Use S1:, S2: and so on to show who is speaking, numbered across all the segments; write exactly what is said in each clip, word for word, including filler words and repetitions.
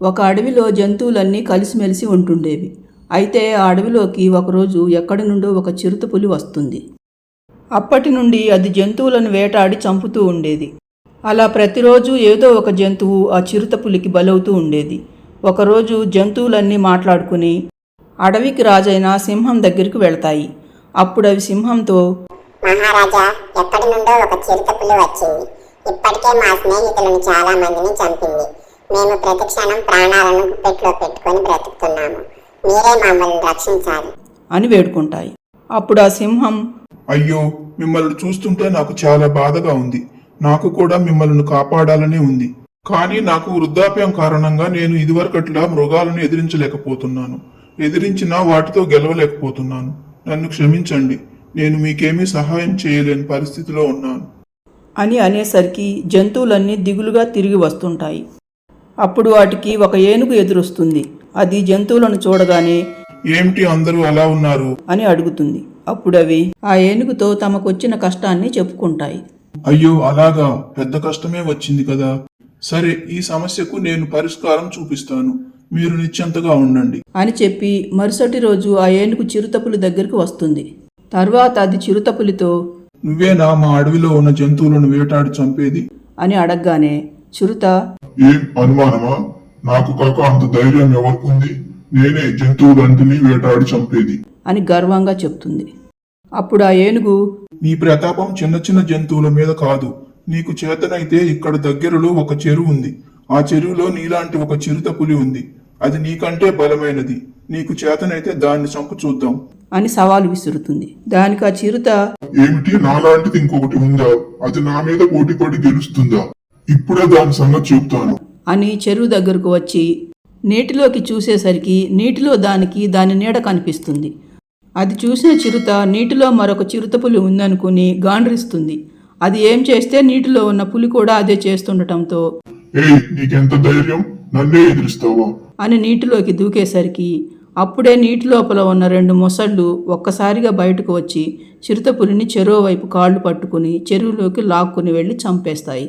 S1: ఒక అడవిలో జంతువులన్నీ కలిసిమెలిసి ఉంటుండేవి. అయితే ఆ అడవిలోకి ఒకరోజు ఎక్కడి నుండో ఒక చిరుతపులి వస్తుంది. అప్పటి నుండి అది జంతువులను వేటాడి చంపుతూ ఉండేది. అలా ప్రతిరోజు ఏదో ఒక జంతువు ఆ చిరుతపులికి బలవుతూ ఉండేది. ఒకరోజు జంతువులన్నీ మాట్లాడుకుని అడవికి రాజైన సింహం దగ్గరికి వెళ్తాయి. అప్పుడు అవి సింహంతో,
S2: మహారాజా, ఎక్కడి నుండో ఒక చిరుతపులి వచ్చింది. ఇప్పటికే మా స్నేహితులను చాలా మందిని చంపింది. మేము ప్రతి క్షణం ప్రాణాలను గుప్పెట్లో పెట్టుకొని బ్రతుకుతున్నాము. మీరే మమ్మల్ని రక్షించాలి
S1: అని వేడుకుంటాయి. అప్పుడు ఆ సింహం,
S3: అయ్యో, మిమ్మల్ని చూస్తుంటే నాకు చాలా బాధగా ఉంది. నాకు కూడా మిమ్మల్ని కాపాడాలనే ఉంది. కానీ నాకు వృద్ధాప్యం కారణంగా నేను ఇదివరకట్లా మృగాలను ఎదిరించలేకపోతున్నాను. ఎదిరించినా వాటితో గెలవలేకపోతున్నాను. నన్ను క్షమించండి. నేను మీకేమీ సహాయం చేయలేని పరిస్థితిలో ఉన్నాను
S1: అని అనేసరికి జంతువులన్నీ దిగులుగా తిరిగి వస్తుంటాయి. అప్పుడు వాటికి ఒక ఏనుగు ఎదురొస్తుంది. అది జంతువులను చూడగానే,
S3: ఏమిటి అందరూ అలా ఉన్నారు
S1: అని అడుగుతుంది. అప్పుడు అవి ఆ ఏనుగుతో తమకొచ్చిన కష్టాన్ని చెప్పుకుంటాయి.
S3: అయ్యో, అలాగా, పెద్ద కష్టమే వచ్చింది కదా. సరే, ఈ సమస్యకు నేను పరిష్కారం చూపిస్తాను. మీరు నిశ్చింతగా ఉండండి
S1: అని చెప్పి మరుసటి రోజు ఆ ఏనుగు చిరుతపులి దగ్గరికి వస్తుంది. తర్వాత అది చిరుతపులితో,
S3: నువ్వేనా మా అడవిలో ఉన్న జంతువులను వేటాడి చంపేది
S1: అని అడగగానే చిరుత,
S4: ఏం అనుమానమా? నాకు కాక అంత ధైర్యం ఎవరికుంది? నేనే జంతువులన్నిటినీ వేటాడి చంపేది
S1: అని గర్వంగా చెప్తుంది. అప్పుడు ఆ ఏనుగు,
S3: నీ ప్రతాపం చిన్న చిన్న జంతువుల మీద కాదు. నీకు చేతనైతే ఇక్కడ దగ్గరలో ఒక చెరువు ఉంది. ఆ చెరువులో నీలాంటి ఒక చిరుత పులి ఉంది. అది నీకంటే బలమైనది. నీకు చేతనైతే దాన్ని చంపు చూద్దాం
S1: అని సవాలు విసురుతుంది. దానికి ఆ చిరుత,
S4: ఏమిటి, నాలాంటిది ఇంకొకటి ఉందా? అది నా మీద పోటీ పడి గెలుస్తుందా? ఇప్పుడే దాని సంగతి చెప్తాను
S1: అని చెరువు దగ్గరకు వచ్చి నీటిలోకి చూసేసరికి నీటిలో దానికి దాని నీడ కనిపిస్తుంది. అది చూసిన చిరుత నీటిలో మరొక చిరుతపులి ఉందనుకుని గాండ్రిస్తుంది. అది ఏం చేస్తే నీటిలో ఉన్న పులి కూడా అదే చేస్తుండటంతో,
S4: ఏయ్, నీకెంత ధైర్యం? నన్నే ఎదిరిస్తావా?
S1: అని నీటిలోకి దూకేసరికి అప్పుడే నీటి లోపల ఉన్న రెండు మొసళ్ళు ఒక్కసారిగా బయటకు వచ్చి చిరుతపులిని చెరువు వైపు కాళ్ళు పట్టుకుని చెరువులోకి లాక్కుని వెళ్ళి చంపేస్తాయి.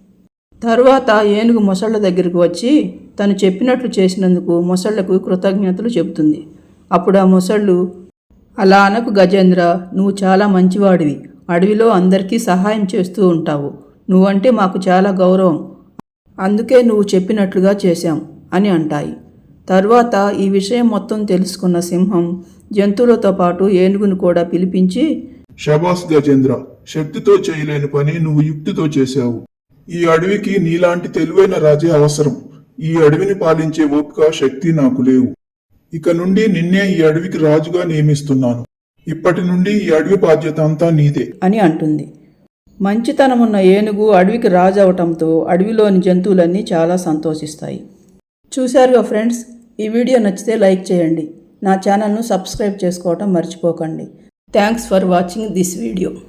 S1: తరువాత ఏనుగు మొసళ్ళ దగ్గరికి వచ్చి తను చెప్పినట్లు చేసినందుకు మొసళ్లకు కృతజ్ఞతలు చెబుతుంది. అప్పుడు ఆ మొసళ్ళు, అలా అనకు గజేంద్ర, నువ్వు చాలా మంచివాడివి. అడవిలో అందరికీ సహాయం చేస్తూ ఉంటావు. నువ్వంటే మాకు చాలా గౌరవం. అందుకే నువ్వు చెప్పినట్లుగా చేశాం అని అంటాయి. తరువాత ఈ విషయం మొత్తం తెలుసుకున్న సింహం జంతువులతో పాటు ఏనుగును కూడా పిలిపించి,
S3: శబాస్ గజేంద్ర, శక్తితో చేయలేని పని నువ్వు యుక్తితో చేశావు. ఈ అడవికి నీలాంటి తెలివైన రాజే అవసరం. ఈ అడవిని పాలించే ఓపిక, శక్తి నాకు లేవు. ఇక నుండి నిన్నే ఈ అడవికి రాజుగా నియమిస్తున్నాను. ఇప్పటి నుండి ఈ అడవి బాధ్యత అంతా నీదే
S1: అని అంటుంది. మంచితనమున్న ఏనుగు అడవికి రాజు అవటంతో అడవిలోని జంతువులన్నీ చాలా సంతోషిస్తాయి. చూశారుగా ఫ్రెండ్స్, ఈ వీడియో నచ్చితే లైక్ చేయండి. నా ఛానల్ను సబ్స్క్రైబ్ చేసుకోవటం మర్చిపోకండి. Thanks for watching this video.